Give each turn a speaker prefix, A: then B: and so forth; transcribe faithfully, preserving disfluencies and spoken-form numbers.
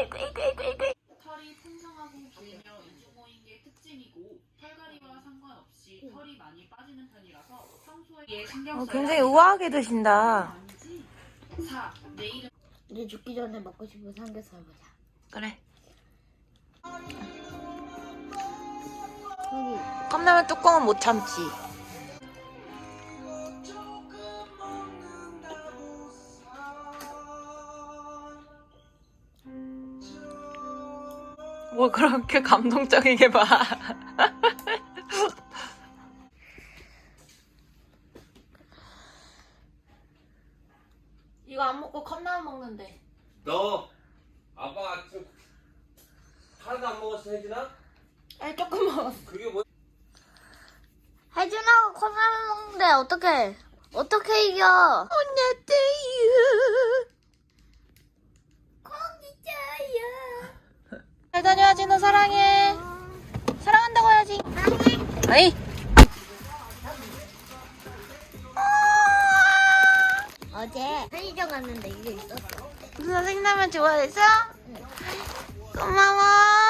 A: 털이 풍성하고 길며 인조모인 게 특징이고 털갈이와 상관없이 털이 많이 빠지는 편이라서 평소에 신경 써야
B: 어, 굉장히 우아하게 드신다.
A: 아니지. 사. 내일은
C: 이제 죽기 전에 먹고 싶은 삼겹살 보자.
B: 그래.
C: 여기.
B: 컵라면 뚜껑은 못 참지. 뭐 그렇게 감동적이게 봐. 이거 안 먹고 컵라면 먹는데.
D: 너 아빠 아침 하나도 안 먹었어 혜진아?
B: 아니 조금 먹었어.
D: 그게 뭐?
C: 혜준하고 컵라면 먹는데 어떻게 어떻게 이겨?
B: 언니한테유.
C: 거기져요.
B: 잘 다녀야지. 너 사랑해. 사랑한다고 해야지. 아이.
C: 어제 편의점 갔는데 이게 있었어.
B: 무슨 생라면 좋아해서? 고마워.